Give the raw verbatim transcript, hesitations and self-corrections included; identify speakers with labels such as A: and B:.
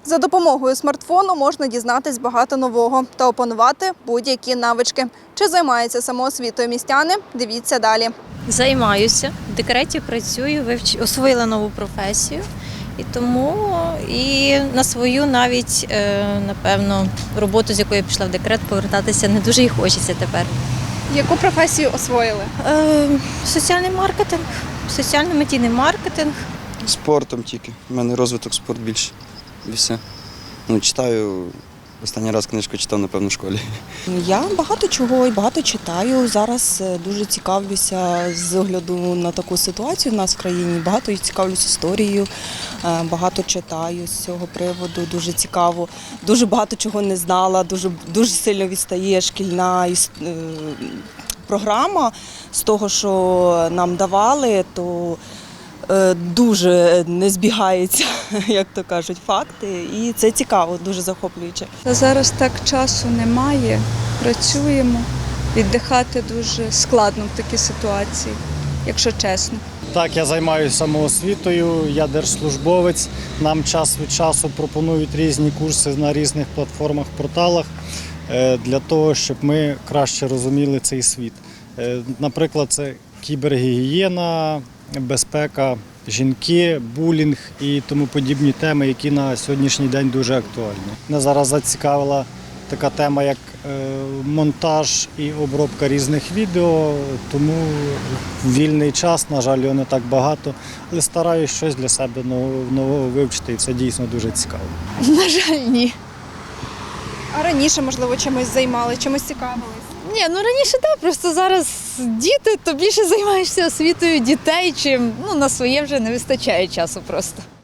A: За допомогою смартфону можна дізнатись багато нового та опанувати будь-які навички. Чи займаються самоосвітою містяни? Дивіться далі.
B: Займаюся, в декреті працюю, вивч... освоїла нову професію. І тому і на свою навіть, напевно, роботу, з якої я пішла в декрет, повертатися не дуже і хочеться тепер.
A: Яку професію освоїли?
B: Е, соціальний маркетинг, соціально-медійний маркетинг.
C: Спортом тільки. У мене розвиток спорт більше. І все. Ну, читаю. Останній раз книжку читав, напевно, в школі.
D: Я багато чого і багато читаю. Зараз дуже цікавлюся з огляду на таку ситуацію в нас в країні. Багато цікавлюсь історією, багато читаю з цього приводу, дуже цікаво. Дуже багато чого не знала, дуже, дуже сильно відстає шкільна програма з того, що нам давали, то дуже не збігаються, як то кажуть, факти. І це цікаво, дуже захоплююче.
E: Зараз так часу немає, працюємо. Віддихати дуже складно в такій ситуації, якщо чесно.
F: Так, я займаюся самоосвітою, я держслужбовець. Нам час від часу пропонують різні курси на різних платформах, порталах для того, щоб ми краще розуміли цей світ. Наприклад, це кібергігієна, безпека, жінки, булінг і тому подібні теми, які на сьогоднішній день дуже актуальні. Мене зараз зацікавила така тема, як монтаж і обробка різних відео, тому в вільний час, на жаль, його не так багато, але стараюся щось для себе нового вивчити, і це дійсно дуже цікаво.
G: На жаль, ні.
A: А раніше, можливо, чимось займали, чимось цікавились?
G: Ні, ну раніше так, просто зараз діти, то більше займаєшся освітою дітей, чим ну, на своє вже не вистачає часу просто.